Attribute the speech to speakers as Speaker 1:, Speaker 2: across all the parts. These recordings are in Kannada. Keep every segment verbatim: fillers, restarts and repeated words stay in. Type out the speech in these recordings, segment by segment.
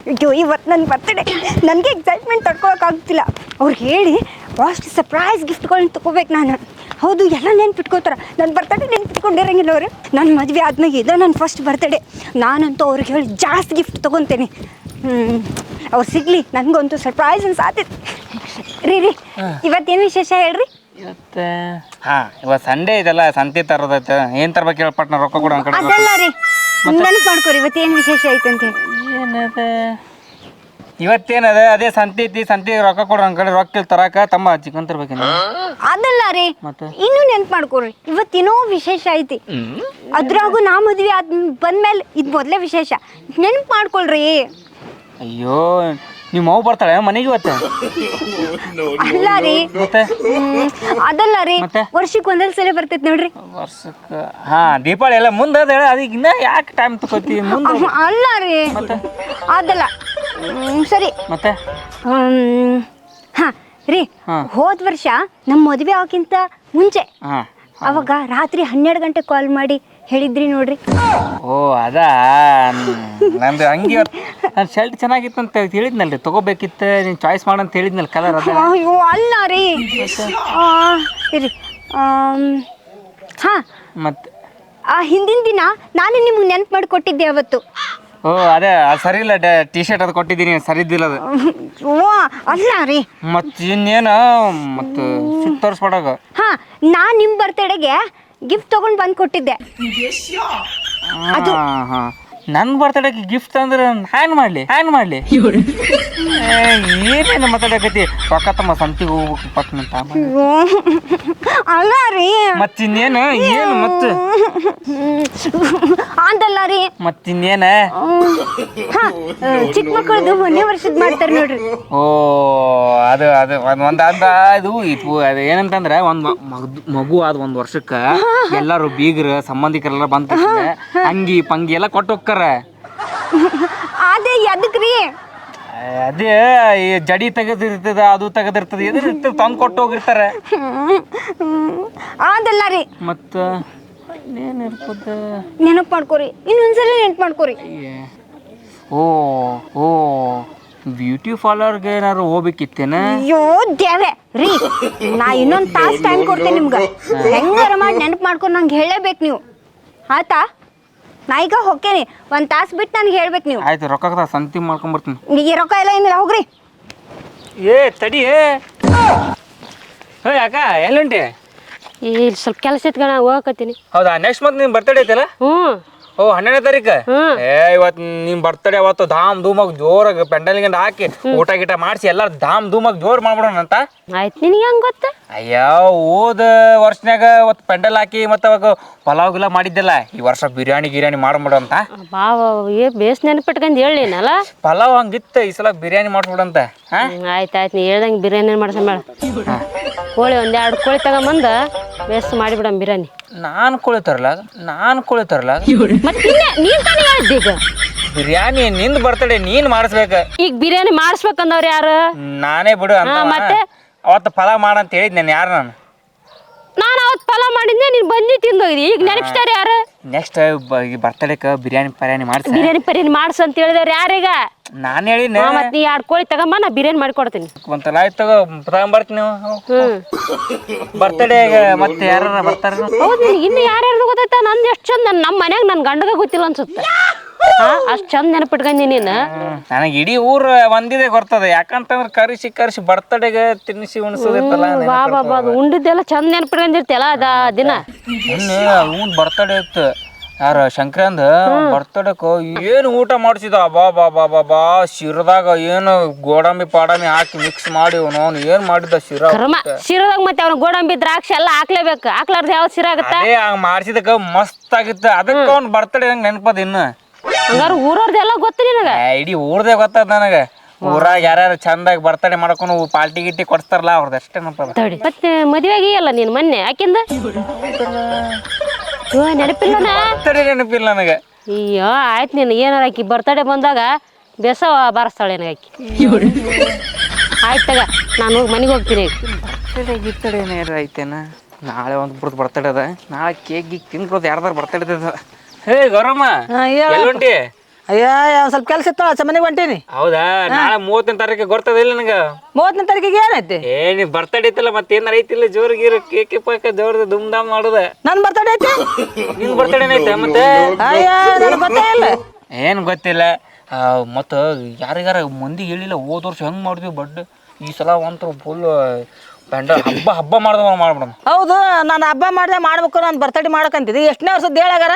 Speaker 1: ಅಯ್ಯೋ ಇವತ್ತು ನನ್ನ ಬರ್ತಡೇ, ನನಗೆ ಎಕ್ಸೈಟ್ಮೆಂಟ್ ತಡ್ಕೊಳಕ್ಕಾಗ್ತಿಲ್ಲ. ಅವ್ರಿಗೆ ಹೇಳಿ ಅಷ್ಟು ಸರ್ಪ್ರೈಸ್ ಗಿಫ್ಟ್ಗಳನ್ನ ತೊಗೋಬೇಕು ನಾನು. ಹೌದು, ಎಲ್ಲ ನೆನ್ಪಿಟ್ಕೋತಾರೆ. ನನ್ನ ಬರ್ತಡೇ ನೆನ್ಪಿಟ್ಕೊಂಡಿರಂಗಿಲ್ಲ ಅವರು. ನನ್ನ ಮದುವೆ ಆದ್ಮೇಲೆ ಇದು ನನ್ನ ಫಸ್ಟ್ ಬರ್ತಡೇ. ನಾನಂತೂ ಅವ್ರಿಗೆ ಹೇಳಿ ಜಾಸ್ತಿ ಗಿಫ್ಟ್ ತೊಗೊತೇನೆ. ಹ್ಞೂ ಅವ್ರು ಸಿಗಲಿ, ನನಗಂತೂ ಸರ್ಪ್ರೈಸ್ ಅನ್ಸಾತೈತಿ. ರೀ ರೀ ಇವತ್ತೇನು ವಿಶೇಷ ಹೇಳ್ರಿ?
Speaker 2: ಇವತ್ತು ಹಾಂ ಇವತ್ತು ಸಂಡೇ ಇದೆಲ್ಲ ಸಂತೆ ತರೋದೈತೆ. ಏನು ತರ್ಬೇಕು ಹೇಳಿ ಪಟ್ನ ರೊಕ್ಕ ಕೊಡು ಕಡೆ.
Speaker 1: ಅದಲ್ಲ ರೀ, ನೆನಪು ಮಾಡ್ಕೊರಿ ಇವತ್ತೇನು ವಿಶೇಷ ಐತೆ ಅಂತ ಹೇಳಿ.
Speaker 2: ಏನದ ಇವತ್ತೇನದ ಅದೇ ಸಂತೆ ಐತಿ, ಸಂತೆ ರೊಕ್ಕ ಕೊಡು ನನ್ನ ಕಡೆ. ರೊಕ್ಕ ತರಾಕ ತಮ್ಮ ಚಿಕನ್ ತರ್ಬೇಕೇನು?
Speaker 1: ಅದಲ್ಲ ರೀ, ಇನ್ನೂ ನೆನ್ಪು ಮಾಡ್ಕೊರಿ ಇವತ್ತೇನೋ ವಿಶೇಷ ಐತಿ. ಅದ್ರಾಗೂ ನಾ ಮದ್ವೆ ಆದ್ ಬಂದ್ಮೇಲೆ ಇದು ಮೊದಲೇ ವಿಶೇಷ. ನೆನ್ಪು ಮಾಡ್ಕೊಳ್ರಿ.
Speaker 2: ಅಯ್ಯೋ ನಿಮ್ಮ ಮಗು ಬರ್ತಾಳೆ ಮನೆಗೆ ಇವತ್ತು?
Speaker 1: ಅಲ್ಲ ರೀ,
Speaker 2: ಮತ್ತೆ
Speaker 1: ಅದಲ್ಲ ರೀ,
Speaker 2: ಮತ್ತೆ
Speaker 1: ವರ್ಷಕ್ಕೆ ಒಂದೊಂದು ಸಲ ಬರ್ತೈತೆ ನೋಡ್ರಿ.
Speaker 2: ವರ್ಷಕ್ಕೆ ಹಾ ದೀಪಾವಳಿ ಎಲ್ಲ ಮುಂದೆ ಅದ. ಅದಕ್ಕೆ ಇನ್ನ ಯಾಕೆ ಟೈಮ್ ತಗೋತಿ ಮುಂದೆ?
Speaker 1: ಅಲ್ಲ ರೀ, ಅದಲ್ಲ. ಸರಿ
Speaker 2: ಮತ್ತೆ
Speaker 1: ಹಾ ರೀ, ಹೋದ ವರ್ಷ ನಮ್ಮ ಮದುವೆ ಆಗೋಕ್ಕಿಂತ ಮುಂಚೆ
Speaker 2: ಹಾಂ
Speaker 1: ಅವಾಗ ರಾತ್ರಿ ಹನ್ನೆರಡು ಗಂಟೆ ಕಾಲ್ ಮಾಡಿ ಹೇಳಿದ್ರಿ ನೋಡ್ರಿ.
Speaker 2: ಓ ಅದಾ ನಂದು ಹಂಗೆ ಇವತ್ತು ನನ್ನ ಶರ್ಟ್ ಚೆನ್ನಾಗಿತ್ತು ಅಂತ ಹೇಳಿದ್ನಲ್ರಿ, ತೊಗೋಬೇಕಿತ್ತು ನೀನು ಚಾಯ್ಸ್ ಮಾಡಂತ ಹೇಳಿದ್ನಲ್ಲ ಕಲರ್. ಅದ
Speaker 1: ಅಯ್ಯೋ ಅಲ್ಲ ರೀ, ಇರಿ ಹಾಂ
Speaker 2: ಮತ್ತೆ
Speaker 1: ಆ ಹಿಂದಿನ ದಿನ ನಾನು ನಿಮ್ಗೆ ನೆನ್ಪು ಮಾಡಿ ಕೊಟ್ಟಿದ್ದೆ ಅವತ್ತು.
Speaker 2: ಓ ಅದೇ ಅದು ಸರಿ ಇಲ್ಲ, ಟಿ ಶರ್ಟ್ ಅದು ಕೊಟ್ಟಿದ್ದೀನಿ, ಸರಿ ಇದ್ದಿಲ್ಲ ಅದು.
Speaker 1: ಓ ಅಲ್ಲ ರೀ,
Speaker 2: ಮತ್ತು ಇನ್ನೇನು ಮತ್ತು ಸಿಟ್ಟು ತೋರಿಸ್ಬಿಡಾಗ.
Speaker 1: ಹಾಂ ನಾನು ನಿಮ್ಮ ಬರ್ತಡೆಗೆ ಗಿಫ್ಟ್ ತೊಗೊಂಡು ಬಂದು ಕೊಟ್ಟಿದ್ದೆ.
Speaker 2: ಹಾಂ ಹಾಂ ನನ್ನ ಬರ್ತಡೇಗೆ ಗಿಫ್ಟ್ ಅಂದ್ರೆ ಹ್ಯಾಂಡ್ ಮಾಡಲಿ ಹ್ಯಾಂಡ್ ಮಾಡಲಿ ಏನೇನು ಮಾತಾಡಕತ್ತಿ? ರೊಕ್ಕ ತಮ್ಮ ಸಂತಿಗೆ ಹೋಗ್ಬೇಕು ಪಟ್ನಂತ.
Speaker 1: ಅಲ್ಲ ರೀ,
Speaker 2: ಮತ್ತಿನ್ನೇನು ಏನು ಮತ್ತೆ
Speaker 1: ಅದಲ್ಲ ರೀ,
Speaker 2: ಮತ್ತಿನ್ನೇನ
Speaker 1: ಹಾಂ ಚಿಕ್ಕ ಮಕ್ಕಳದು ಒಂದೇ ವರ್ಷದ ಮಾಡ್ತಾರೆ ನೋಡ್ರಿ.
Speaker 2: ಓ ಅದು ಅದು ಒಂದು ಒಂದು ಅಂದ ಇದು ಇತ್ತು. ಅದು ಏನಂತಂದ್ರೆ ಒಂದು ಮಗು ಆದ ಒಂದು ವರ್ಷಕ್ಕೆ ಎಲ್ಲರೂ ಬೀಗರು ಸಂಬಂಧಿಕರೆಲ್ಲ ಬಂದ ಅಂಗಿ ಪಂಗಿ ಎಲ್ಲ ಕೊಟ್ಟು ಹೋಗ್ತಾರ.
Speaker 1: ಅದೇ ಎದಕ್ರಿ?
Speaker 2: ಅದೇ ಈ ಜಡಿ ತೆಗೆದಿರ್ತದ, ಅದು ತೆಗೆದಿರ್ತದ, ಎದ್ರ ಇರ್ತದ ತಂದು ಕೊಟ್ಟು ಹೋಗಿರ್ತಾರೆ.
Speaker 1: ಅದಲ್ಲ ರೀ,
Speaker 2: ಮತ್ತು ಏನಿರ್ತದ
Speaker 1: ನೆನಪು ಮಾಡ್ಕೊರಿ, ಇನ್ನೊಂದ್ಸಲ ನೆನಪು ಮಾಡ್ಕೊರಿ.
Speaker 2: ಓ ಓ ಬ್ಯೂಟಿ ಪಾರ್ಲರ್ಗೆ ಏನಾದ್ರು ಹೋಗ್ಬೇಕಿತ್ತೇನ?
Speaker 1: ಅಯ್ಯೋ ದೇವೆ ರೀ, ನಾ ಇನ್ನೊಂದು ತಾಸು ಟೈಮ್ ಕೊಡ್ತೇನೆ ನಿಮ್ಗೆ. ಹೆಂಗಾರ ಮಾಡಿ ನೆನಪು ಮಾಡ್ಕೊಂಡು ನಂಗೆ ಹೇಳಬೇಕು ನೀವು, ಆಯ್ತಾ? ನಾ ಈಗ ಹೋಗ್ತೇನೆ, ಒಂದು ತಾಸು ಬಿಟ್ಟು ನನಗೆ ಹೇಳ್ಬೇಕು ನೀವು.
Speaker 2: ಆಯ್ತು, ರೊಕ್ಕ ಸಂತಿ ಮಾಡ್ಕೊಂಬರ್ತೀನಿ.
Speaker 1: ಈಗ ರೊಕ್ಕ ಎಲ್ಲ ಏನಿಲ್ಲ, ಹೋಗ್ರಿ.
Speaker 2: ಏ ತಡಿ, ಹೇ ಅಕ್ಕ ಎಲ್ಲುಂಟಿ?
Speaker 3: ಈ ಸ್ವಲ್ಪ ಕೆಲಸ ಇಟ್ಕೊಂಡು ನಾ ಹೋಗಕತ್ತೀನಿ.
Speaker 2: ಹೌದಾ, ನೆಕ್ಸ್ಟ್ ಮಂತ್ ನಿನ್ನ ಬರ್ತಡೇ ಐತಲ್ಲ?
Speaker 3: ಹ್ಞೂ.
Speaker 2: ಓ ಹನ್ನೆರಡನೇ ತಾರೀಕು? ಏ ಇವತ್ತು ನಿಮ್ಮ ಬರ್ತಡೇ ಅವತ್ತು ಧಾಮ್ ಧೂಮಾಗಿ ಜೋರಾಗಿ ಪೆಂಡಲ್ಗೆ ಹಾಕಿ ಊಟ ಗೀಟ ಮಾಡಿಸಿ ಎಲ್ಲರೂ ಧಾಮ್ ಧೂಮಾಗಿ ಜೋರು ಮಾಡ್ಬಿಡೋಣ ಅಂತ.
Speaker 3: ಆಯ್ತು, ನಿನಗೆ ಹೆಂಗೆ ಗೊತ್ತ?
Speaker 2: ಅಯ್ಯೋ ಹೋದ ವರ್ಷನ್ಯಾಗ ಅವತ್ತು ಪೆಂಡಲ್ ಹಾಕಿ ಮತ್ತು ಅವಾಗ ಪಲಾವ್ ಗಿಲಾವ್ ಮಾಡಿದ್ದೆಲ್ಲ, ಈ ವರ್ಷ ಬಿರಿಯಾನಿ ಗಿರಿಯಾನಿ ಮಾಡ್ಬಿಡು ಅಂತ.
Speaker 3: ಬಾವ ಏ ಬೇಸ್ ನೆನಪಿಟ್ಕೊಂಡು ಹೇಳಿನಲ್ಲ.
Speaker 2: ಪಲಾವ್ ಹಂಗಿತ್ತು, ಈ ಸಲ ಬಿರಿಯಾನಿ ಮಾಡ್ಬಿಡಂತ. ಹಾಂ
Speaker 3: ಆಯ್ತು ಆಯ್ತು, ನೀ ಹೇಳ್ದಂಗೆ ಬಿರಿಯಾನಿ ಮಾಡ್ಸ ಮೇಳ. ಕೋಳಿ ಒಂದು ಎರಡು ಕೋಳಿ ತಗೊಂಬಂದು ಬೇಸ್ ಮಾಡಿಬಿಡಮ್ ಬಿರಿಯಾನಿ.
Speaker 2: ನಾನು ಕೋಳಿ ತರಲ್ಲ, ನಾನು ಕೋಳಿ ತರಲ್ಲ.
Speaker 3: ಮತ್ತೆ ನೀನು ತಾನೇ ಹೇಳಿದ್ದೆ ಈಗ
Speaker 2: ಬಿರಿಯಾನಿ ನಿಂದು ಬರ್ತಡೇ ನೀನು ಮಾಡಿಸ್ಬೇಕು.
Speaker 3: ಈಗ ಬಿರಿಯಾನಿ ಮಾಡಿಸ್ಬೇಕಂದವ್ರು ಯಾರು?
Speaker 2: ನಾನೇ ಬಿಡು ಅಂತ.
Speaker 3: ಮತ್ತೆ
Speaker 2: ಅವತ್ತು ಪಲಾವ್ ಮಾಡಂತ ಹೇಳಿದ್ ನಾನು. ಯಾರು ನಾನು
Speaker 3: ನಾನು ಅವತ್ತು ಪಲಾವ್ ಮಾಡಿದ್ದೆ, ನೀನು ಬಂದು ತಿಂದೋಗಿದ್ದಿ. ಈಗ ನೆನಪಿಸ್ತಾರೆ ಯಾರು?
Speaker 2: ನೆಕ್ಸ್ಟ್ ಬರ್ತಡೇಕ್ಕೆ ಬಿರಿಯಾನಿ ಪರ್ಯಾನಿ ಮಾಡಿಸಿ
Speaker 3: ಬಿರಿಯಾನಿ ಪರ್ಯಾನಿ ಮಾಡಿಸು ಅಂತ ಹೇಳಿದವ್ರು ಯಾರೀಗ?
Speaker 2: ನಾನು ಹೇಳಿನ.
Speaker 3: ಮತ್ತೆ ನೀ ಎರಡು ಕೋಳಿ ತಗೊಂಬ, ನಾ ಬಿರಿಯಾನಿ ಮಾಡಿಕೊಡ್ತೀನಿ.
Speaker 2: ಒಂತಲ್ಲ ಆಯ್ತು ತಗೋ, ತಗೊಂಬರ್ತೀನಿ. ಹ್ಞೂ ಬರ್ತಡೇಗೆ ಮತ್ತೆ ಯಾರು ಬರ್ತಾರ?
Speaker 3: ಹೌದು, ಇನ್ನು ಯಾರ್ಯಾರು ಗೊತ್ತಾಯ್ತ? ನಂದು ಎಷ್ಟು ಚಂದ, ನಮ್ಮ ಮನ್ಯಾಗ ನನ್ನ ಗಂಡಗ ಗೊತ್ತಿಲ್ಲ ಅನ್ಸುತ್ತೆ. ಹಾಂ ಅಷ್ಟು ಚಂದ ನೆನಪಿಟ್ಕೊಂಡಿ ನೀನು.
Speaker 2: ನನಗೆ ಇಡೀ ಊರು ಒಂದಿದೆ ಬರ್ತದೆ, ಯಾಕಂತಂದ್ರೆ ಕರಿಸಿ ಕರಿಸಿ ಬರ್ತಡೇಗೆ ತಿನ್ನಿಸಿ ಉಣಿಸೋದಿರ್ತಲ್ಲ.
Speaker 3: ಬಾ ಬಾ ಬಾ, ಉಂಡಿದ್ದೆಲ್ಲ ಚಂದ ನೆನಪಿಟ್ಕೊಂಡಿರ್ತಿಯಲ್ಲ ಅದ ದಿನ.
Speaker 2: ಅವ್ನು ಬರ್ತಡೇ ಇತ್ತು, ಯಾರ ಶಂಕರಂದ ಬರ್ತಡೇಕ ಏನು ಊಟ ಮಾಡಿಸಿದ ಬಾ ಬಾ ಬಾ ಬಾ ಬಾ ಶಿರದಾಗ ಏನು ಗೋಡಂಬಿ ಪಾಡಂಬಿ ಹಾಕಿ ಮಿಕ್ಸ್ ಮಾಡಿ ಅವನು ಏನು ಮಾಡಿದ್ದ ಶಿರಾ.
Speaker 3: ಶಿರದಾಗ ಮತ್ತೆ ಅವ್ನು ಗೋಡಂಬಿ ದ್ರಾಕ್ಷಿ ಎಲ್ಲ ಹಾಕ್ಲೇಬೇಕು, ಹಾಕ್ಲಾರ್ದು ಯಾವ್ದು ಶಿರಾ ಆಗುತ್ತೆ?
Speaker 2: ಹಂಗ ಮಾಡಿಸಿದಕ್ಕ ಮಸ್ತ್ ಆಗಿತ್ತು. ಅದಕ್ಕೆ ಅವ್ನು ಬರ್ತಡೇ ನಂಗೆ ನೆನಪದ. ಇನ್ನು
Speaker 3: ಹಂಗಾರು ಊರವ್ರದ್ದೆಲ್ಲ ಗೊತ್ತು ನಿನಗ?
Speaker 2: ಇಡೀ ಊರ್ದೇ ಗೊತ್ತದ ನನಗೆ. ಊರಾಗ ಯಾರ್ಯಾರು ಚಂದಾಗಿ ಬರ್ತಡೇ ಮಾಡ್ಕೊಂಡು ಪಾರ್ಟಿ ಗಿಟ್ಟಿ ಕೊಡ್ತಾರಲ್ಲ ಅವ್ರದ್ದು ಅಷ್ಟೇ ನೆನಪದ.
Speaker 3: ಮತ್ತೆ ಮದುವೆ ಆಗಿಯಲ್ಲ ನೀನು ಮೊನ್ನೆ, ಯಾಕಿಂದ ನೆನಪಿಲ್ಲ?
Speaker 2: ಬರ್ತಡೇ ನೆನಪಿಲ್ಲ ನನಗೆ.
Speaker 3: ಅಯ್ಯೋ ಆಯ್ತು, ನೀನು ಏನಾರ ಆಕಿ ಬರ್ತಡೇ ಬಂದಾಗ ಬೇಸವ ಬಾರಿಸ್ತಾಳೆ ನನಗೆ ಆಕಿ. ಆಯ್ತು ತಗ, ನಾನು ಹೋಗಿ ಮನೆಗೆ ಹೋಗ್ತೀನಿ.
Speaker 2: ಬರ್ತಡೇ ಗಿರ್ತಡೇ ಏನಾರು ಐತೇನ? ನಾಳೆ ಒಂದು ಬಿಡ್ದು ಬರ್ತಡೇ ಅದ, ನಾಳೆ ಕೇಕ್ ಗೀಕ್ ತಿನ್ಕೊಳೋದು ಯಾರ್ದಾರು ಬರ್ತಡೇ ಅದ. ಹೇ ಗೌರಮ್ಮ ಎಲ್ಲುಂಟಿ?
Speaker 4: ಅಯ್ಯ ಒಂದ್ ಸ್ವಲ್ಪ ಕೆಲಸ ಇತ್ತು ಆಚೆ ಮನೆಗೆ ಹೊಂಟೀನಿ.
Speaker 2: ಹೌದಾ ನಾಳೆ ಮೂವತ್ತನೇ ತಾರೀಕಿಗೆ ಗೊತ್ತದಿಲ್ಲ ನನಗೆ.
Speaker 4: ಮೂವತ್ತನೇ ತಾರೀಕಿಗೆ ಏನೈತಿ?
Speaker 2: ಏ ನೀ ಬರ್ತಡೇ ಐತಲ್ಲ ಮತ್ತೆ ಏನಾರ ಐತಿಲ್ಲ ಜೋರ್ ಗೀರ್ ಕೇಕ್ ಪಾಕ ಜೋರ್ದ ದುಮ್ ದಾಮ್ ಮಾಡುದ.
Speaker 4: ನನ್ ಬರ್ತಡೇ ಐತಿ?
Speaker 2: ನಿನ್ ಬರ್ತಡೇನ ಐತೆ ಮತ್ತೆ?
Speaker 4: ಅಯ್ಯ ನನಗೆ ಗೊತ್ತೇ ಇಲ್ಲ.
Speaker 2: ಏನು ಗೊತ್ತಿಲ್ಲ. ಮತ್ತು ಯಾರಿಗಾರ ಮಂದಿಗೆ ಹೇಳಿಲ್ಲ ಹೋದ ವರ್ಷ ಹೆಂಗೆ ಮಾಡಿದ್ವಿ ಬಡ್ ಈ ಸಲ ಒಂಥರ ಫುಲ್ ಪೆಂಡ ಹಬ್ಬ ಹಬ್ಬ ಮಾಡ್ದ ಮಾಡ್ಬಿಡೋಣ.
Speaker 4: ಹೌದು ನಾನು ಹಬ್ಬ ಮಾಡ್ದೆ ಮಾಡ್ಬೇಕು ನಾನು ಬರ್ತಡೇ ಮಾಡಕಂತಿದ್ದೆ. ಎಷ್ಟನೇ ವರ್ಷದ ಹೇಳಾಗಾರ?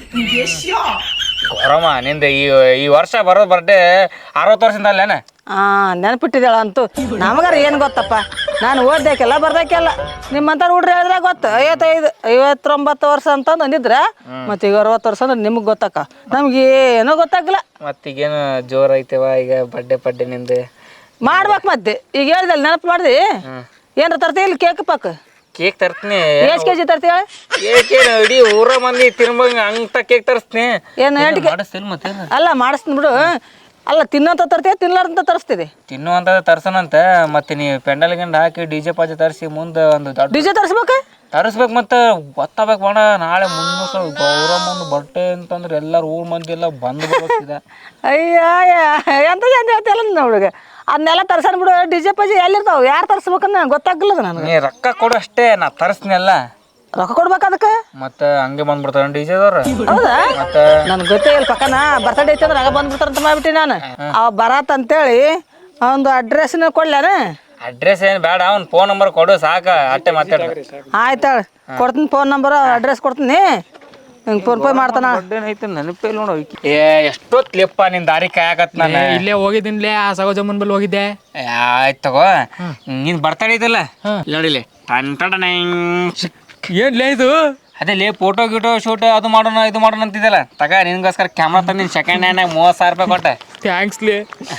Speaker 2: ಗೌರಮ್ಮ ನಿಂದ ಈ ಈ ವರ್ಷ ಬರೋದು ಬರ್ಡೇ ಅರವತ್ತು ವರ್ಷದಿಂದ ಅಲ್ಲೇನ?
Speaker 4: ಹಾಂ ನೆನಪಿಟ್ಟಿದ್ದಾಳ ಅಂತೂ. ನಮಗಾರ ಏನು ಗೊತ್ತಪ್ಪ, ನಾನು ಓದ್ದಾಕೆಲ್ಲ ಬರ್ದಾಕೆಲ್ಲ ನಿಮ್ಮಂಥವ್ರು ಹುಡ್ರಿ ಹೇಳಿದ್ರೆ ಗೊತ್ತು. ಐವತ್ತೈದು ಐವತ್ತೊಂಬತ್ತು ವರ್ಷ ಅಂತಂದು ಅಂದಿದ್ರೆ ಮತ್ತೆ ಈಗ ಅರವತ್ತು ವರ್ಷ ಅಂದ್ರೆ ನಿಮಗೆ ಗೊತ್ತಕ್ಕ, ನಮ್ಗೆ ಏನೂ ಗೊತ್ತಾಗಲ್ಲ.
Speaker 2: ಮತ್ತೀಗೇನು ಜೋರು ಐತೆವ ಈಗ ಬರ್ಡೇ ಪಡ್ಡೆ ನಿಂದು
Speaker 4: ಮಾಡ್ಬೇಕು. ಮತ್ತೆ ಈಗ ಹೇಳ್ದಲ್ಲ ನೆನಪು ಮಾಡ್ದಿ ಏನಾರ ತರ್ತೀವಿ ಇಲ್ಲಿ ಕೇಕ್ ಪಾಕ್?
Speaker 2: ಕೇಕ್ ತರ್ತೀನಿ.
Speaker 4: ಎಷ್ಟು ಕೆ ಜಿ ತರ್ತೀವಿ ಹೇಳಿ?
Speaker 2: ಕೇಕೇನು ಇಡೀ ಊರ ಮಂದಿ ತಿನ್ಬಂಗ ಅಂತ ಕೇಕ್ ತರಿಸ್ತೀನಿ.
Speaker 4: ಏನು ಎಂಟು
Speaker 2: ಮಾಡಿಸ್ತಿಲ್ಲ ಮತ್ತೆ? ಅಲ್ಲ
Speaker 4: ಮಾಡಿಸ್ತೀನಿ ಬಿಡು. ಅಲ್ಲ ತಿನ್ನೋಂತ ತರ್ತೀಯ ತಿನ್ಲಾರ್ದಂತ ತರಿಸ್ತೀವಿ?
Speaker 2: ತಿನ್ನುವಂತ ತರ್ಸನಂತ. ಮತ್ತೆ ನೀವು ಪೆಂಡಲ್ ಗಂಡ ಹಾಕಿ ಡಿ ಜೆ ಪಾಜೆ ತರಿಸಿ ಮುಂದೆ ಒಂದು ದೊಡ್ಡ
Speaker 4: ಡಿ ಜೆ ತರಿಸ್ಬೇಕು
Speaker 2: ತರಿಸ್ಬೇಕು. ಮತ್ತೆ ಗೊತ್ತಾಗಬೇಕು ಬೇಡ ನಾಳೆ ಮುನ್ನೂರು ಗೌರಮ್ಮನ ಬಟ್ಟೆ ಅಂತಂದ್ರೆ ಎಲ್ಲರೂ ಊರ್ ಮಂದಿ ಎಲ್ಲ ಬಂದು ಬರ್ಬೇಕಿದೆ.
Speaker 4: ಅಯ್ಯ ಎಂತ ಎಂತ ಹೇಳ್ತಿಲ್ಲ ಹುಡುಗ. ಅದನ್ನೆಲ್ಲ ತರ್ಸನ್ ಬಿಡು. ಡಿ ಜೆ ಪಾಜಿ ಎಲ್ಲಿರ್ತಾವ ಯಾರು ತರಿಸ್ಬೇಕನ್ನ ಗೊತ್ತಾಗಲ್ಲ ನನಗೆ.
Speaker 2: ನೀ ರೊಕ್ಕ ಕೊಡು ಅಷ್ಟೇ, ನಾ ತರಿಸ್ತೀನಲ್ಲ.
Speaker 4: ರೊಕ್ಕ ಕೊಡ್ಬೇಕು ಅದಕ್ಕೆ?
Speaker 2: ಮತ್ತೆ ಹಂಗೆ ಬಂದ್ಬಿಡ್ತಾರ ಡಿ ಜೆದವ್ರು.
Speaker 4: ಹೌದಾ?
Speaker 2: ಮತ್ತೆ
Speaker 4: ನನ್ಗೆ ಗೊತ್ತೇ ಇಲ್ಲ. ಪಕ್ಕನ ಬರ್ತಡೇ ಐತೆ ಅಂದ್ರೆ ಆಗ ಬಂದ್ಬಿಡ್ತಾರಂತ ಮಾಡ್ಬಿಟ್ಟಿ ನಾನು. ಅವ ಬರತ್ ಅಂತೇಳಿ ಒಂದು ಅಡ್ರೆಸ್ನ ಕೊಡ್ಲಾನ?
Speaker 2: ಅಡ್ರೆಸ್ ಏನು ಬೇಡ, ಅವ್ನ ಫೋನ್ ನಂಬರ್ ಕೊಡು ಸಾಕ, ಅಟ್ಟೆ ಮಾತಾಡ.
Speaker 4: ಆಯ್ತಾಳ ಕೊಡ್ತೀನಿ ಫೋನ್ ನಂಬರ್ ಅಡ್ರೆಸ್ ಕೊಡ್ತೀನಿ. ಹಿಂಗೆ ಫೋನ್ ಪೇ ಮಾಡ್ತಾನ.
Speaker 2: ಐತೆ ನೆನಪೇ ನೋಡು. ಏ ಎಷ್ಟೊತ್ಲಿಪ್ಪ ನಿನ್ ದಾರಿ ಕಾಯಕತ್ ನಾನು
Speaker 5: ಇಲ್ಲೇ ಹೋಗಿದ್ದೀನಿಲೇ ಆ ಸಗೋಜಮ್ಮನ ಬಲ್ಲಿ ಹೋಗಿದ್ದೆ.
Speaker 2: ಆಯ್ತು ತಗೋ. ನಿನ್ ಬರ್ತಡೇ ಐತಲ್ಲ ನೋಡಿಲಿ ಟನ್ ಟನ್
Speaker 5: ಏನ್ಲೇ ಇದು?
Speaker 2: ಅದೇ ಲೇ ಫೋಟೋ ಗಿಟೋ ಶೂಟ್ ಅದು ಮಾಡೋಣ ಇದು ಮಾಡೋಣ ಅಂತಿದ್ದಲ್ಲ ತಗ ನಿನ್ಗೋಸ್ಕರ ಕ್ಯಾಮ್ರಾ ತಂದಿನಿ ಸೆಕೆಂಡ್ ಹ್ಯಾಂಡ್ ಮೂವತ್ತು ಸಾವಿರ ರೂಪಾಯಿ ಕೊಟ್ಟೆ.
Speaker 5: ಥ್ಯಾಂಕ್ಸ್ಲೇ.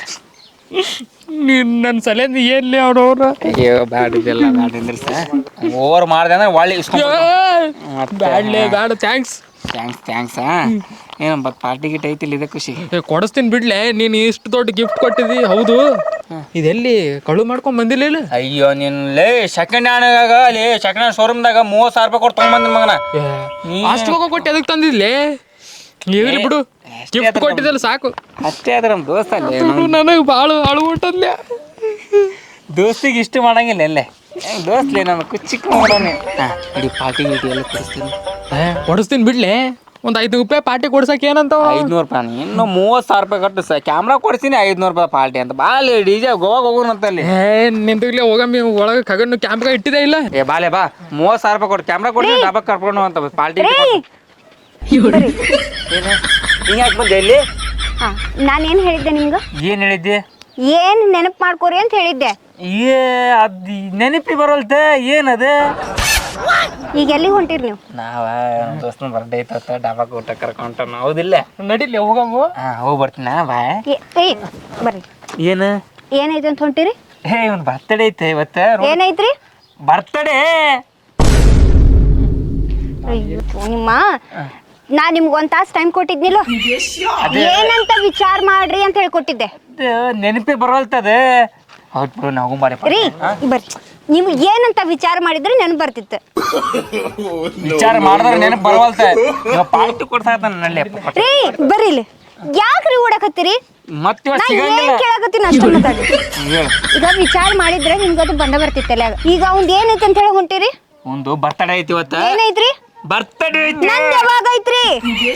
Speaker 5: ನೀನು ನನ್ನ ಸಲಿಂದ ಏನ್ಲೇ ಅವ್ರವ್ರ?
Speaker 2: ಅಯ್ಯೋ ಬ್ಯಾಡಿದ್ದೆಲ್ಲ ಬ್ಯಾಡಿಂದ್ರೆ ಸರ್ ಓವರ್ ಮಾಡಿದೆ ಅಂದ್ರೆ ಒಳ್ಳೆ
Speaker 5: ಬ್ಯಾಡ್ಲೇ ಬ್ಯಾಡ. ಥ್ಯಾಂಕ್ಸ್
Speaker 2: ಥ್ಯಾಂಕ್ಸ್ ಥ್ಯಾಂಕ್ಸ್ ಏನು ಬಟ್ ಪಾರ್ಟಿ ಗಿಟ್ ಐತಿಲ್ಲ ಇದೆ ಖುಷಿ.
Speaker 5: ಕೊಡಿಸ್ತೀನಿ ಬಿಡ್ಲೆ. ನೀನು ಇಷ್ಟು ದೊಡ್ಡ ಗಿಫ್ಟ್ ಕೊಟ್ಟಿದ್ದಿ. ಹೌದು ಇದೆಲ್ಲಿ ಕಳು ಮಾಡ್ಕೊಂಡ್ ಬಂದಿಲ್ಲ ಇಲ್ಲ?
Speaker 2: ಅಯ್ಯೋ ನೀನ್ ಲೇ ಸೆಕೆಂಡ್ ಹ್ಯಾಂಡ್ ಅಲ್ಲಿ ಸೆಕೆಂಡ್ ಹ್ಯಾಂಡ್ ಶೋರೂಮ್ದಾಗ ಮೂವತ್ತು ಸಾವಿರ ರೂಪಾಯಿ ಕೊಟ್ಟು ತೊಗೊಂಬಂದಿನ ಮಗನ.
Speaker 5: ಅಷ್ಟು ಹೋಗೋ ಕೊಟ್ಟು ಅದಕ್ಕೆ ತಂದಿದ್ಲೇ? ಇರ್ಲಿ ಬಿಡು, ಗಿಫ್ಟ್ ಕೊಟ್ಟಿದ್ದಲ್ಲ ಸಾಕು.
Speaker 2: ಅಷ್ಟೇ ಆದ್ರೆ ನಮ್ಮ ದೋಸ್ತ ಅಲ್ಲೇ
Speaker 5: ನನಗೆ ಭಾಳ ಅಳುವುಂಟದ್ಲೆ.
Speaker 2: ದೋಸ್ತಿಗೆ ಇಷ್ಟು ಮಾಡಂಗಿಲ್ಲ ಎಲ್ಲೇ ದೋಸ್ತ್ಲೇ ನಾನು ಕುಚ್ಚಿಕ್ಕ ಮಾಡೋಣ. ಇಡೀ ಪಾರ್ಟಿ ಗೀಟಿ ಎಲ್ಲ ಕೊಡಿಸ್ತೀನಿ.
Speaker 5: ಕೊಡಿಸ್ತೀನಿ ಬಿಡ್ಲೆ. ಒಂದು ಐದು ರೂಪಾಯಿ ಪಾರ್ಟಿ ಕೊಡ್ಸಕ್ಕೆ ಏನಂತ?
Speaker 2: ಐದ್ನೂರು ರೂಪಾಯಿ ಇನ್ನು ಮೂವತ್ತು ಸಾವಿರ ರೂಪಾಯಿ ಕಟ್ಟು ಸ ಕ್ಯಾಮ್ರಾ ಕೊಡ್ತೀನಿ. ಐದ್ನೂರು ರೂಪಾಯಿ ಪಾರ್ಟಿ ಅಂತ ಬಾಲೆ ಡಿ ಜೆ ಗೋವಾಗ ಹೋಗೋಣಂತಲ್ಲಿ.
Speaker 5: ಏ ನಿಂತಿರ್ಲಿ ಹೋಗಮ್ಮಿ ಒಳಗೆ ಕಗನ್ನು ಕ್ಯಾಮ್ರಾ ಇಟ್ಟಿದೆ ಇಲ್ಲ?
Speaker 2: ಏ ಬಾಲೆ ಬಾ ಮೂವತ್ತು ಸಾವಿರ ರೂಪಾಯಿ ಕೊಟ್ಟು ಕ್ಯಾಮ್ರಾ ಕೊಡ್ತೀನಿ ಡಬ್ಬಕ್ಕೆ ಕರ್ಕೊಂಡು ಅಂತ ಪಾರ್ಟಿ. ಏನು ಹಿಂಗ್ಯಾಕೆ ಬಂದೆ ಇಲ್ಲಿ?
Speaker 1: ಹಾಂ ನಾನೇನು ಹೇಳಿದ್ದೆ ನಿಮ್ಗೆ?
Speaker 2: ಏನು ಹೇಳಿದ್ದೆ?
Speaker 1: ಏನು ನೆನಪು ಮಾಡ್ಕೋರಿ ಅಂತ ಹೇಳಿದ್ದೆ.
Speaker 2: ಏ ಅದು ನೆನಪಿ ಬರೋಲ್ತೆ ಏನದು?
Speaker 1: ಈಗ ಎಲ್ಲಿಗೆ ಹೊಂಟಿರಿ ನೀವು?
Speaker 2: ನಾವ ನಮ್ಮ ದೋಸ್ತನ ಬರ್ಡೇ ಐತ ಡಾಬಾಕ್ ಊಟ ಕರ್ಕೊಂಡ ಹೌದಿಲ್ಲ?
Speaker 5: ನಡೀಲಿ ಹೋಗಮ್ಮ.
Speaker 2: ಹಾಂ ಹೋಗಿ ಬರ್ತೀನ ಬಾಯ್.
Speaker 1: ಏಯ್ ಬರ್ರಿ.
Speaker 2: ಏನು
Speaker 1: ಏನೈತೆ ಅಂತ ಹೊಂಟಿರಿ?
Speaker 2: ಹೇ ಇವ್ನು ಬರ್ತಡೇ ಐತೆ ಇವತ್ತು.
Speaker 1: ಏನೈತ್ರಿ?
Speaker 2: ಬರ್ತಡೇ.
Speaker 1: ಅಯ್ಯೋ ನಿಮ್ಮ ನಾ ನಿಮ್ಗೆ ಒಂದು ತಾಸು ಟೈಮ್ ಕೊಟ್ಟಿದ್ನಿಲ್ಲ, ಏನಂತ ವಿಚಾರ ಮಾಡ್ರಿ ಅಂತ ಹೇಳ್ಕೊಟ್ಟಿದ್ದೆ.
Speaker 2: ನೆನಪಿ ಬರೋಲ್ತದ. ಹೌದು ಬಿಡು ನಾವು ಮಾಡಿ
Speaker 1: ರೀ ಬರ್ರಿ. ನೀವು ಏನಂತ ವಿಚಾರ ಮಾಡಿದ್ರೆ ನೆನಪು ಬರ್ತಿತ್ತು.
Speaker 2: ವಿಚಾರ ಮಾಡಿದ್ರೆ ನೆನಪು ಬರವಲ್ತ. ಪಾರ್ಟಿ ಕೊಡ್ಸಾಕತ್ತಾನ ನಳ್ಳಿ.
Speaker 1: ರೀ ಬರ್ರಿ ಇಲ್ಲಿ. ಯಾಕ್ರಿ ಓಡಾಕತ್ತೀರಿ?
Speaker 2: ಮತ್ತೆ
Speaker 1: ನಾ ಏನ್ ಕೇಳಾಕತ್ತೀನಿ ಅಷ್ಟೇ ಮಾತಾಡಿ. ಈಗ ವಿಚಾರ ಮಾಡಿದ್ರೆ ನಿಮ್ಗದು ಬಂದ ಬರ್ತಿತ್ತಲ್ಲ. ಈಗ ಅವ್ನ್ ಏನೈತೆ ಅಂತ ಹೇಳಿ ಹೊಂಟಿರಿ?
Speaker 2: ಒಂದು ಬರ್ತಡೇ ಐತಿ ಇವತ್ತ.
Speaker 1: ಏನೈತ್ರಿ?
Speaker 2: ಬರ್ತಡೇ ಐತಿ.
Speaker 1: ನಂದು ಯಾವಾಗ ಐತ್ರಿ?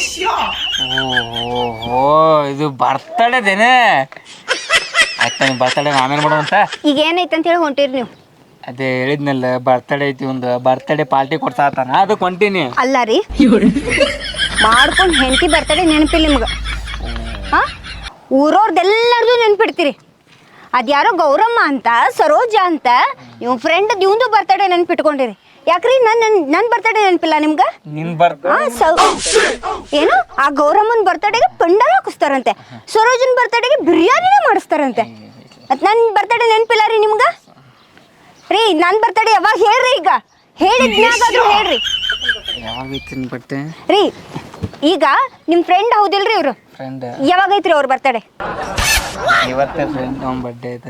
Speaker 2: ಓಹೋ ಇದು ಬರ್ತಡೇದೇನೆ. ಆಯ್ತಾ ನೀವು ಬರ್ತಡೇ ಆಮೇಲೆ ಮಾಡೋಂತ.
Speaker 1: ಈಗ ಏನೈತೆ ಅಂತ ಹೇಳಿ ಹೊಂಟಿರಿ ನೀವು?
Speaker 2: ಅದೇ ಹೇಳಿದ್ನಲ್ಲ ಬರ್ತಡೇ ಐತಿ ಒಂದು ಬರ್ತಡೇ ಪಾರ್ಟಿ ಕೊಡ್ಸಾತಾನ ಅದಕ್ಕೆ ಹೊಂಟೀನಿ.
Speaker 1: ಅಲ್ಲ ರೀ ಮಾಡ್ಕೊಂಡು ಹೆಂಡತಿ ಬರ್ತಡೇ ನೆನಪಿಲ್ಲ ನಿಮ್ಗೆ? ಹಾ ಊರವ್ರದ್ದೆಲ್ಲರದು ನೆನ್ಪಿಡ್ತೀರಿ. ಅದ್ಯಾರೋ ಗೌರಮ್ಮ ಅಂತ ಸರೋಜ ಅಂತ ನೀವು ಫ್ರೆಂಡ್ ಇವಂದು ಬರ್ತಡೇ ನೆನ್ಪಿಟ್ಕೊಂಡಿರಿ. ಯಾಕ್ರಿ ನನ್ನ ನನ್ನ ಬರ್ತಡೇ ನೆನಪಿಲ್ಲ ನಿಮ್ಗೆ?
Speaker 2: ನಿನ್ ಬರ್ತ
Speaker 1: ಏನು ಆ ಗೌರಮ್ಮನ ಬರ್ತಡೇಗೆ ಪಂಡಾರ ಹಾಕಿಸ್ತಾರಂತೆ, ಸರೋಜನ್ ಬರ್ತಡೇಗೆ ಬಿರಿಯಾನಿನೇ ಮಾಡಿಸ್ತಾರಂತೆ. ಮತ್ತು ನನ್ನ ಬರ್ತಡೇ ನೆನಪಿಲ್ಲ ರೀ ನಿಮ್ಗೆ? ರೀ ನನ್ನ ಬರ್ತಡೇ ಯಾವಾಗ ಹೇಳ್ರಿ? ಈಗ ಹೇಳಿದ್ನಾಗಾದ್ರೂ ಹೇಳ್ರಿ.
Speaker 2: ಯಾವಾಗೈತಿ ಬಟ್ಟೆ
Speaker 1: ರೀ ಈಗ ನಿಮ್ಮ ಫ್ರೆಂಡ್ ಹೌದಿಲ್ರಿ ಇವರು?
Speaker 2: ಫ್ರೆಂಡ್
Speaker 1: ಯಾವಾಗೈತ್ರಿ ಅವ್ರ ಬರ್ತಡೇ?
Speaker 2: ಇವತ್ತೇ ಫ್ರೆಂಡ್ ಅವ್ನ ಬರ್ಡೇ ಐತೆ.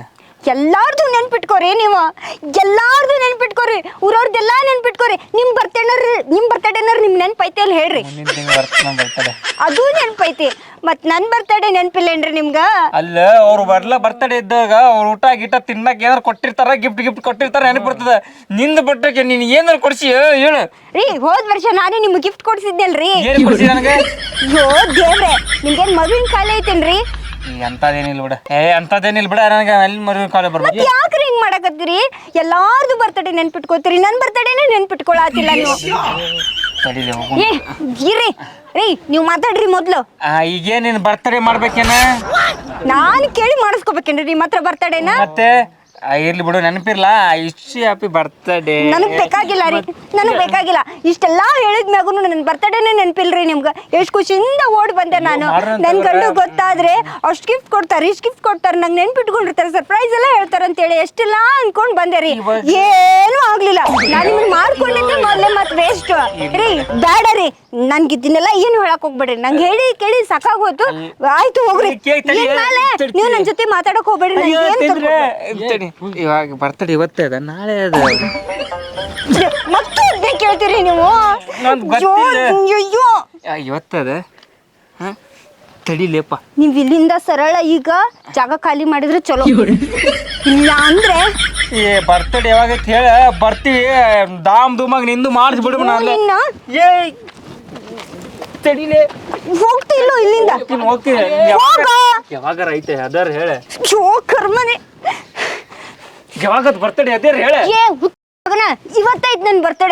Speaker 1: ಎಲ್ಲಾರ್ದು ನೆನ್ಪಿಟ್ಕೋರಿ ನೀವು, ಎಲ್ಲಾರ್ದು ನೆನ್ಪಿಟ್ಕೋರಿ, ಊರವ್ರದ್ದೆಲ್ಲ ನೆನ್ಪಿಟ್ಕೋರಿ. ನಿಮ್ಮ ಬರ್ತಡೇನರ್ ನಿಮ್ಮ ಬರ್ತಡೇನರ್ ನಿಮ್ಮ ನೆನ್ಪೈತಿ ಅಲ್ಲಿ ಹೇಳ್ರಿ.
Speaker 2: ಮುಂದಿನ ತಿಂಗಳು ಬರ್ತದೆ ಬರ್ತಡೆ.
Speaker 1: ಅದು ನೆನ್ಪೈತಿ, ಮತ್ತು ನನ್ನ ಬರ್ತಡೇ ನೆನಪಿಲ್ಲೇನ್ರಿ ನಿಮ್ಗೆ?
Speaker 2: ಅಲ್ಲ ಅವ್ರು ಬರ್ಲ ಬರ್ತಡೇ ಇದ್ದಾಗ ಅವ್ರು ಊಟ ಗಿಟ ತಿನ್ನಕ್ಕೆ ಏನಾರು ಕೊಟ್ಟಿರ್ತಾರ, ಗಿಫ್ಟ್ ಗಿಫ್ಟ್ ಕೊಟ್ಟಿರ್ತಾರ ನೆನಪು ಬರ್ತದೆ. ನಿಂದ ಬರ್ತಕ್ಕೆ ನೀನು ಏನಾರು ಕೊಡ್ಸಿ ಹೇಳು.
Speaker 1: ರೀ ಹೋದ ವರ್ಷ ನಾನೇ ನಿಮ್ಗೆ ಗಿಫ್ಟ್ ಕೊಡ್ಸಿದ್ದೆಲ್ರಿ.
Speaker 2: ಏನು ಕೊಡ್ಸಿ ನನಗೆ?
Speaker 1: ಅಯ್ಯೋ ದೇವ್ರೆ, ನಿಮ್ಗೇನು ಮಗುವಿನ ಕಾಲ ಐತೇನ್ರಿ?
Speaker 2: ಎಂಥದ್ದೇನಿಲ್ಲ ಬಿಡ, ಏ ಅಂಥದ್ದೇನಿಲ್ಲ ಬಿಡ, ನನಗೆ ಅಲ್ಲಿ ಮರುವಿನ ಕಾಲ ಬರ್ಬೇಕು.
Speaker 1: ಯಾಕ್ರಿ ಹಿಂಗ್ ಮಾಡಕತ್ತೀರಿ? ಎಲ್ಲಾರ್ದು ಬರ್ತಡೇ ನೆನ್ಪಿಟ್ಕೋತೀರಿ, ನನ್ನ ಬರ್ತಡೇನೇ ನೆನ್ಪಿಟ್ಕೊಳತಿಲ್ಲ ನೀವು.
Speaker 2: ತಡೀಲಿ ಹೋಗು.
Speaker 1: ಏ ಇರ್ರಿ ರೀ, ನೀವು ಮಾತಾಡ್ರಿ ಮೊದ್ಲು.
Speaker 2: ಈಗೇನು ನೀನು ಬರ್ತಡೇ ಮಾಡ್ಬೇಕೇನ?
Speaker 1: ನಾನು ಕೇಳಿ ಮಾಡಿಸ್ಕೋಬೇಕೇನ್ರಿ ನಿಮ್ಮ ಹತ್ರ ಬರ್ತಡೇನ?
Speaker 2: ಮತ್ತೆ ಇರ್ಲಿ ಬಿಡು, ನೆನಪಿರ್ಲ. ಇಷ್ಟು ಹ್ಯಾಪಿ ಬರ್ತಡೇ.
Speaker 1: ನನಗೆ ಬೇಕಾಗಿಲ್ಲ ರೀ, ನನಗೆ ಬೇಕಾಗಿಲ್ಲ. ಇಷ್ಟೆಲ್ಲ ಹೇಳಿದ ಮ್ಯಾಗೂ ನನ್ನ ಬರ್ತಡೇನೇ ನೆನಪಿಲ್ರಿ ನಿಮ್ಗೆ. ಎಷ್ಟು ಖುಷಿಯಿಂದ ಓಡಿ ಬಂದೆ ನಾನು. ನನ್ನ ಗಂಡು ಗೊತ್ತಾದ್ರೆ ಅಷ್ಟು ಗಿಫ್ಟ್ ಕೊಡ್ತಾರೆ, ಇಷ್ಟು ಗಿಫ್ಟ್ ಕೊಡ್ತಾರೆ, ನಂಗೆ ನೆನ್ಪಿಟ್ಕೊಂಡಿರ್ತಾರೆ, ಸರ್ಪ್ರೈಸ್ ಎಲ್ಲ ಹೇಳ್ತಾರೆ ಅಂತೇಳಿ ಎಷ್ಟೆಲ್ಲ ಅನ್ಕೊಂಡು ಬಂದೆ ರೀ. ಏನೂ ಆಗ್ಲಿಲ್ಲ. ನಾನು ನಿಮ್ಗೆ ಮಾಡ್ಕೊಂಡಿದ್ದೆ ಮೊದಲೇ ಮತ್ತೆ ವೇಸ್ಟ್ ರೀ. ಬೇಡ ರೀ, ನನ್ಗೆ ಇದನ್ನೆಲ್ಲ ಏನು ಹೇಳಕ್ ಹೋಗ್ಬೇಡ್ರಿ. ನಂಗೆ ಹೇಳಿ ಕೇಳಿ ಸಾಕಾಗೋಯ್ತು. ಆಯ್ತು ಹೋಗ್ರಿ. ಮೇಲೆ ನೀವು ನನ್ನ ಜೊತೆ ಮಾತಾಡಕ್ ಹೋಗ್ಬೇಡ್ರಿ. ನಂಗೆ
Speaker 2: ಇವಾಗ ಬರ್ತಡೇ ಇವತ್ತೇ ಅದ, ನಾಳೆ ಅದ.
Speaker 1: ಮತ್ತೆ ಅದೇ ಕೇಳ್ತೀರಿ ನೀವು? ಅಯ್ಯೋ
Speaker 2: ಇವತ್ತದ ತಡಿಲೇಪ.
Speaker 1: ನೀವ್ ಇಲ್ಲಿಂದ ಸರಳ ಈಗ ಜಾಗ ಖಾಲಿ ಮಾಡಿದ್ರೆ ಚಲೋ. ಇಲ್ಲ ಅಂದ್ರೆ
Speaker 2: ಏ ಬರ್ತಡೇ ಯಾವಾಗ ಹೇಳ, ಬರ್ತೀವಿ. ದಾಮ್ ಧೂಮಾಗ ನಿಂದು ಮಾಡಿಸಿ ಬಿಡು.
Speaker 1: ನಿನ್ನ
Speaker 2: ಏ ತಡಿಲೇ,
Speaker 1: ಹೋಗ್ತಿಲ್ಲೋ ಇಲ್ಲಿಂದ.
Speaker 2: ಹೋಗ್ತೀನಿ. ಯಾವಾಗಾರ ಐತೆ ಅದರ ಹೇಳ.
Speaker 1: ಅಯ್ಯೋ ಕರ್ಮನೆ,
Speaker 2: ಯಾವಾಗ ಬರ್ತಡೇ ಅದೇರ ಹೇಳ.
Speaker 1: ಏ ಹುತ್ತಗನ, ಇವತ್ತೈತ್ ನನ್ ಬರ್ತಡೇ.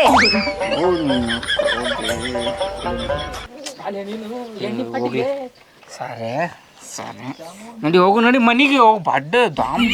Speaker 2: ಸರಿ ಸರಿ ನಡಿ ಹೋಗು, ನಡಿ ಮನೆಗೆ ಹೋಗಿ. ಬಡ್ಡ ದಾಮ್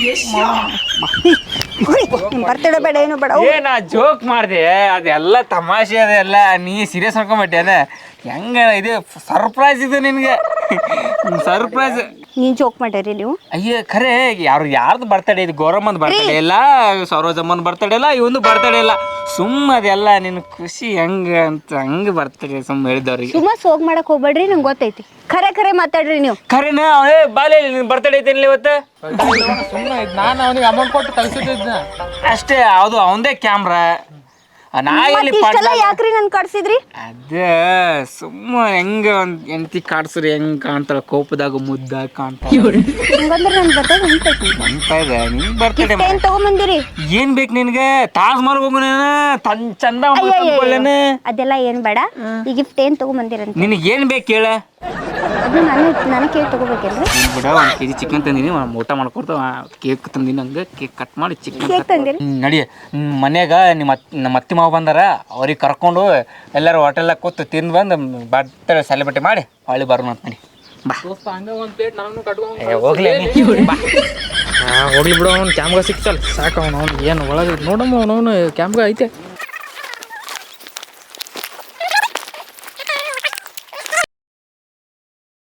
Speaker 1: ಬರ್ತಡೇ ಬೇಡ ಏನು ಬೇಡ.
Speaker 2: ಏ ನಾ ಜೋಕ್ ಮಾಡಿದೆ, ಅದೆಲ್ಲ ತಮಾಷೆ, ಅದೆಲ್ಲ ನೀ ಸೀರಿಯಸ್ ಅನ್ಕೊಂಬಿಟ್ಟೆ. ಹೆಂಗ ಇದು ಸರ್ಪ್ರೈಸ್ ಇದು ನಿನಗೆ, ಸರ್ಪ್ರೈಸ್.
Speaker 1: ನೀನ್ ಜೋಕ್ ಮಾಡ್ಯಾರಿ ನೀವು?
Speaker 2: ಅಯ್ಯ ಖರೆ, ಯಾರು ಯಾರ್ದು ಬರ್ತಡೇ ಇದು? ಗೌರಮ್ಮನ ಬರ್ತಡೇ ಇಲ್ಲ, ಸರೋಜಮ್ಮನ ಬರ್ತಡೇ ಇಲ್ಲ, ಇವೊಂದು ಬರ್ತಡೇ ಇಲ್ಲ. ಸುಮ್ಮ ಅದೆಲ್ಲ ನಿನ್ನ ಖುಷಿ ಹೆಂಗ ಅಂತ ಹಂಗೆ ಬರ್ತಡೇ ಸುಮ್ಮ ಹೇಳಿದವ್ರಿಗೆ.
Speaker 1: ಸುಮ್ಮ ಸೋಗ್ ಮಾಡಕ್ ಹೋಗ್ಬೇಡ್ರಿ, ನಂಗೆ ಗೊತ್ತೈತಿ. ಖರೆ ಖರೆ ಮಾತಾಡ್ರಿ ನೀವು.
Speaker 2: ಖರೇನ? ಅವೇ ಬಾಲೆ ನಿನ್ ಬರ್ತಡೇ ಐತೇನಿಲ್ಲ ಇವತ್ತು?
Speaker 5: ಸುಮ್ಮನೆ ನಾನು ಅವನಿಗೆ ಅಮೌಂಟ್ ಕೊಟ್ಟು ಕಳ್ಸಿದ್ದ
Speaker 2: ಅಷ್ಟೇ. ಅದು ಅವಂದೇ ಕ್ಯಾಮ್ರಾ. ನಾ ಎಲ್ಲಿ
Speaker 1: ಇಷ್ಟೆಲ್ಲ ಯಾಕ್ರಿ ನನ್ ಕಳ್ಸಿದ್ರಿ?
Speaker 2: ಅದ ಸುಮ್ಮ ಹೆಂಗ ಒಂದ್ ಎಂತಿ ಕಾಡ್ಸ್ರಿ ಹೆಂಗ್ ಕಾಣ್ತಾಳ, ಕೋಪದಾಗ ಮುದ್ದಾಗ ಕಾಣ್ತಾಳ.
Speaker 1: ಹಂಗಂದ್ರೆ ನನ್ ಬರ್ತಡೇ ನೆನ್ಪೈತಿ.
Speaker 2: ಅಂತ ಇದೆ ನಿನ್ ಬರ್ತಡೇ.
Speaker 1: ಏನ್ ತಗೊಂಬಂದಿರಿ?
Speaker 2: ಏನ್ ಬೇಕು ನಿನ್ಗೆ? ತಾಜ್ ಮಹಲ್ ಹೋಗು, ತನ್ ಚಂದ ಮಾಡ್ಕೊಳ್ಳೇನ?
Speaker 1: ಅದೆಲ್ಲ ಏನ್ ಬೇಡ. ಈ ಗಿಫ್ಟ್ ಏನ್ ತಗೊಂಬಂದಿರಂತ
Speaker 2: ನಿನಗೆ ಏನ್ ಬೇಕು ಹೇಳ?
Speaker 1: ಅದು ನಾನು ನಾನು ಕೇಕ್ ತಗೋಬೇಕೇನ್ರಿ?
Speaker 2: ಬಿಡ, ಒಂದ್ ಕೆಜಿ ಚಿಕನ್ ತಂದಿನಿ, ಊಟ ಮಾಡ್ಕೊಡ್ತಾವ. ಕೇಕ್ ತಂದಿನಿ, ಹಂಗೆ ಕೇಕ್ ಕಟ್ ಮಾಡಿ ಚಿಕನ್
Speaker 1: ಕೇಕ್ ತಂದಿರಿ?
Speaker 2: ನಡಿ. ಮನ್ಯಾಗ ನಿಮ್ಮ ನಮ್ಮ ಅತ್ತಿ ಮಾವ ಬಂದಾರ, ಅವ್ರಿಗೆ ಕರ್ಕೊಂಡು ಎಲ್ಲರೂ ಹೋಟೆಲ್ದಾಗ ಕೂತು ತಿಂದು ಬಂದು ಬರ್ತಡೇ ಸೆಲೆಬ್ರೇಟ್ ಮಾಡಿ ಹೊಳ್ಳಿ ಬರೋಣ ಅಂತ ನಡಿ. ಬಾ
Speaker 5: ಹಂಗ ಒಂದ್ ಪ್ಲೇಟ್ ನಾನು ಕಟ್ಕೊಂಡು
Speaker 2: ಹೋಗ್ಲಿ ಬಾ.
Speaker 5: ಹೋಗ್ಲಿ ಬಿಡು, ಅವ್ನು ಕ್ಯಾಮ್ರಾ ಸಿಕ್ತಲ್ಲ ಸಾಕು. ಅವನು ಅವ್ನು ಏನು ಒಳಗೆ ನೋಡಮ್ಮ, ಅವನವನು ಕ್ಯಾಮ್ರಾ ಐತೆ.